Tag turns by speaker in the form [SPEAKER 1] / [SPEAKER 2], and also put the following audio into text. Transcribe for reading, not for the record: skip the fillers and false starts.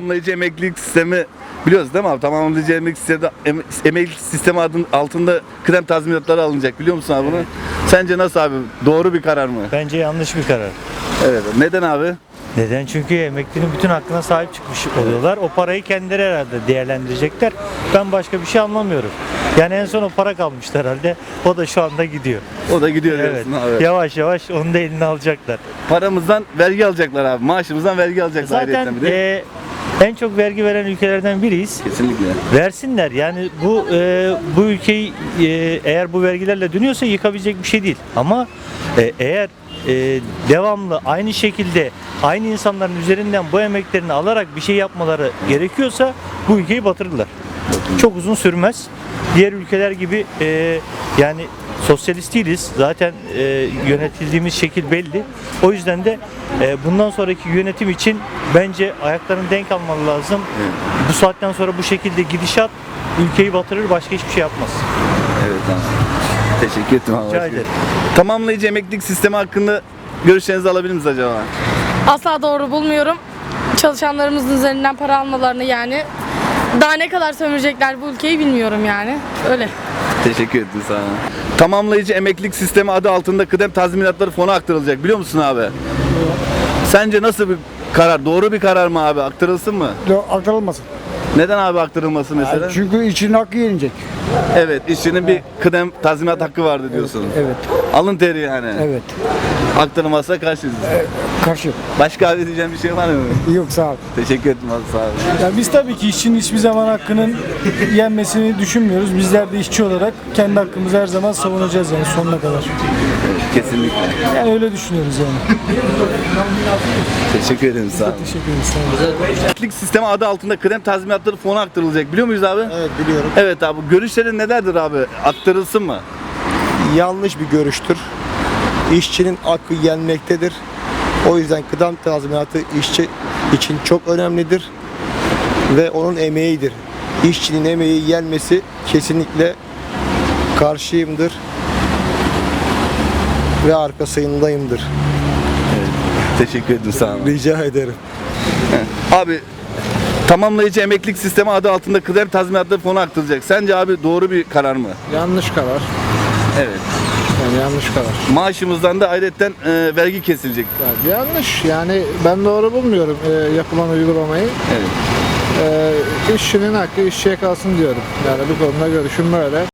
[SPEAKER 1] Tamamlayıcı emeklilik sistemi biliyoruz değil mi abi? Tamamlayıcı emeklilik sistemi altında kıdem tazminatları alınacak. Biliyor musun abi bunu? Sence nasıl abi? Doğru bir karar mı?
[SPEAKER 2] Bence yanlış bir karar.
[SPEAKER 1] Evet. Neden abi?
[SPEAKER 2] Neden? Çünkü emeklinin bütün hakkına sahip çıkmış oluyorlar. O parayı kendileri herhalde değerlendirecekler. Ben başka bir şey anlamıyorum. Yani en son o para kalmıştı herhalde. O da şu anda gidiyor.
[SPEAKER 1] O da gidiyor
[SPEAKER 2] Evet.
[SPEAKER 1] diyorsun abi.
[SPEAKER 2] Yavaş yavaş onu da eline alacaklar.
[SPEAKER 1] Paramızdan vergi alacaklar abi. Maaşımızdan vergi alacaklar.
[SPEAKER 2] Zaten
[SPEAKER 1] ayrıyeten bir de.
[SPEAKER 2] en çok vergi veren ülkelerden biriyiz.
[SPEAKER 1] Kesinlikle.
[SPEAKER 2] Versinler. Yani bu ülkeyi eğer bu vergilerle dönüyorsa yıkabilecek bir şey değil. Ama eğer devamlı aynı şekilde aynı insanların üzerinden bu emeklerini alarak bir şey yapmaları gerekiyorsa bu ülkeyi batırırlar. Çok uzun sürmez. Diğer ülkeler gibi yani sosyalist değiliz. Zaten yönetildiğimiz şekil belli. O yüzden de bundan sonraki yönetim için bence ayaklarını denk almalı lazım.
[SPEAKER 1] Evet.
[SPEAKER 2] Bu saatten sonra bu şekilde gidişat ülkeyi batırır, başka hiçbir şey yapmaz.
[SPEAKER 1] Evet tamam. Teşekkür ederim abi.
[SPEAKER 2] Rica ederim.
[SPEAKER 1] Tamamlayıcı emeklilik sistemi hakkında görüşlerinizi alabilir miyiz acaba?
[SPEAKER 3] Asla doğru bulmuyorum. Çalışanlarımızın üzerinden para almalarını yani. Daha ne kadar sömürecekler bu ülkeyi bilmiyorum yani. Öyle.
[SPEAKER 1] Teşekkür ederim sana. Tamamlayıcı emeklilik sistemi adı altında kıdem tazminatları fona aktarılacak. Biliyor musun abi? Sence nasıl bir karar? Doğru bir karar mı abi? Aktarılsın mı?
[SPEAKER 4] Aktarılmasın.
[SPEAKER 1] Neden abi aktarılması mesela?
[SPEAKER 4] Çünkü işçinin hakkı yenecek.
[SPEAKER 1] Evet, işçinin bir kıdem tazminat hakkı vardı diyorsun.
[SPEAKER 4] Evet.
[SPEAKER 1] Alın teri yani.
[SPEAKER 4] Evet.
[SPEAKER 1] Aktarılmazsa karşıyız.
[SPEAKER 4] Karşı.
[SPEAKER 1] Başka abi diyeceğim bir şey var mı?
[SPEAKER 4] Yok sağ ol.
[SPEAKER 1] Teşekkür ederim abi, sağ olun.
[SPEAKER 5] Ya biz tabii ki işçinin hiçbir zaman hakkının yenmesini düşünmüyoruz. Bizler de işçi olarak kendi hakkımızı her zaman savunacağız yani sonuna kadar.
[SPEAKER 1] Kesinlikle.
[SPEAKER 5] Yani öyle düşünüyoruz yani.
[SPEAKER 1] Teşekkür ederim, sağ olun.
[SPEAKER 5] Teşekkür ederiz. Sağ olun.
[SPEAKER 1] Emeklilik sistemi adı altında kıdem tazminatları fona aktarılacak. Biliyor muyuz abi?
[SPEAKER 6] Evet biliyorum.
[SPEAKER 1] Evet abi. Görüşlerin nelerdir abi? Aktarılsın mı?
[SPEAKER 6] Yanlış bir görüştür. İşçinin hakkı yenmektedir. O yüzden kıdem tazminatı işçi için çok önemlidir ve onun emeğidir. İşçinin emeği yenmesi kesinlikle karşıyımdır ve arkasındayımdır.
[SPEAKER 1] Teşekkür ederim, sağ olun.
[SPEAKER 6] Rica ederim.
[SPEAKER 1] Abi, tamamlayıcı emeklilik sistemi adı altında kıdem tazminatları fona aktarılacak. Sence abi doğru bir karar mı?
[SPEAKER 7] Yanlış karar.
[SPEAKER 1] Evet.
[SPEAKER 7] Yani yanlış karar.
[SPEAKER 1] Maaşımızdan da ayrıca vergi kesilecek.
[SPEAKER 7] Yani yanlış. Yani ben doğru bulmuyorum yapılan uygulamayı.
[SPEAKER 1] Evet.
[SPEAKER 7] İşçinin hakkı işçiye kalsın diyorum. Yani bu konuda görüşüm böyle.